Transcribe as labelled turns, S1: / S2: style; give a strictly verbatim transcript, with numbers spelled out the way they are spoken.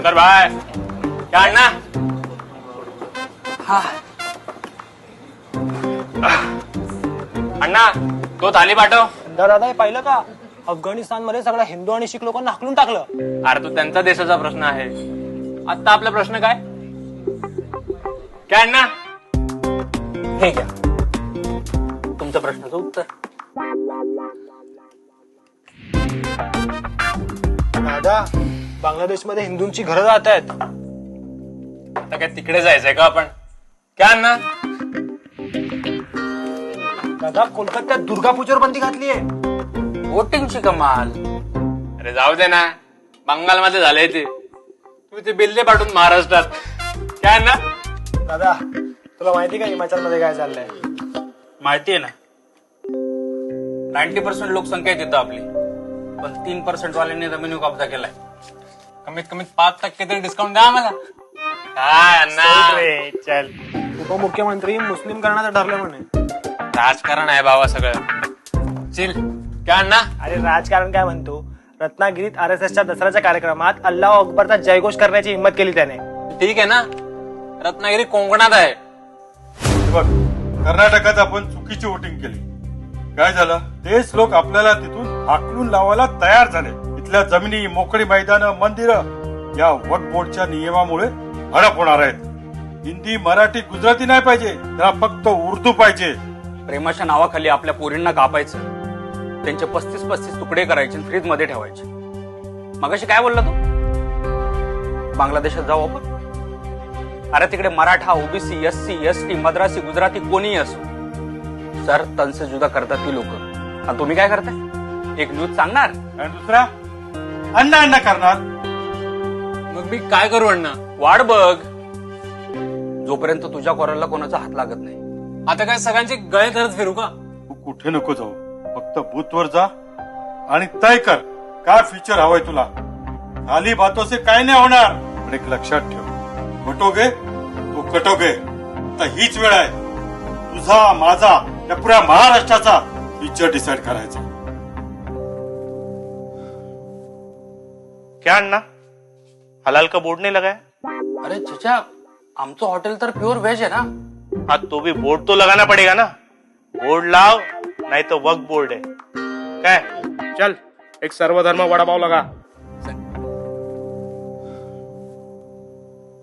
S1: शंकर भाई क्या अन्ना?
S2: हा
S1: अण्णा तो थाली पाठव.
S2: दादा हे पाहिलं का? अफगाणिस्तान मध्ये सगळ्या हिंदू आणि शीख लोकांना हाकलून टाकलं.
S1: अरे तो त्यांचा देशाचा प्रश्न आहे. आता आपला प्रश्न काय? काय अण्णा?
S2: हे घ्या तुमच्या प्रश्नाचं उत्तर. दादा बांगलादेशमध्ये हिंदूंची घरं जात आहेत.
S1: आता काय तिकडे जायचंय का आपण? काय अण्णा?
S2: दादा कोलकात्यात दुर्गा पूजेवर बंदी घातली आहे.
S3: वोटिंगची कमाल.
S1: अरे जाऊ दे ना, बंगालमध्ये झालंय ते. तू ते बिल्ले पाठवून महाराष्ट्रात. काय अण्णा?
S2: दादा तुला माहिती का हिमाचल मध्ये काय चाललंय?
S3: माहितीये ना, नाईन्टी पर्सेंट लोकसंख्या आहे तिथं आपली, पण तीन पर्सेंट वाल्यांनी रेव्हेन्यू कब्जा केलाय.
S1: कमीत कमीत पाच टक्के तरी डिस्काउंट द्या आम्हाला. काय अण्णा?
S2: चल उपमुख्यमंत्री मुस्लिम करण्याचं ठरलं म्हणे.
S1: राजकारण आहे बाबा सगळं. चिल. काय अण्णा?
S2: अरे राजकारण काय म्हणतो? रत्नागिरीत आर एस एसच्या दसऱ्याच्या कार्यक्रमात अल्लाह अकबरचा जयघोष करण्याची हिंमत केली त्याने.
S1: ठीक आहे ना, रत्नागिरी कोकणात आहे.
S4: बघ कर्नाटकात आपण चुकीची वोटिंग केली. काय झालं? तेच लोक आपल्याला तिथून हाकलून लावायला तयार झाले. इथल्या जमिनी, मोकळी मैदानं, मंदिरं या वक्फ बोर्डच्या नियमामुळे हडप होणार आहेत. हिंदी, मराठी, गुजराती नाही पाहिजे, त्यांना फक्त उर्दू पाहिजे.
S3: प्रेमाच्या नावाखाली आपल्या पोरींना कापायचं, त्यांचे पस्तीस पस्तीस तुकडे करायचे, फ्रीज मध्ये ठेवायचे. मगाशी काय बोलला तू? बांगलादेशात जाऊ आपण? अरे तिकडे Maratha, OBC, SC, ST, Madrasi, Gujarati कोणीही असो, सर तनसे जुदा करतात ती लोक. आणि तुम्ही काय करताय? एक न्यूज सांगणार
S4: आणि दुसरा अण्णा अण्णा करणार.
S1: मग मी काय करू अण्णा?
S3: वाढ बघ, जोपर्यंत तुझ्या कोराला कोणाचा हात लागत नाही.
S1: आता काय सगळ्यांचे गळे धरत फिरू का?
S4: तू कुठे नको जाऊ, फक्त बूथवर जा आणि तय कर काय फीचर हवंय तुला. खाली बातों से काय नाही होणार. पण एक लक्षात ठेव, वटोगे तू कटोगे. आता हीच वेळ आहे तुझा, माझा, या पुऱ्या महाराष्ट्राचा फीचर डिसाइड करायचा.
S5: क्या अन्ना, हलाल का बोर्ड नहीं लगा है?
S3: अरे चचा, आमचं हॉटेल तर प्युअर व्हेज आहे ना.
S5: हाँ तो भी बोर्ड तो लगाना पड़ेगा ना. बोर्ड लाओ नहीं तो वक्फ बोर्ड है. क्या है? चल एक सर्वधर्म वड़ा पाव लगा.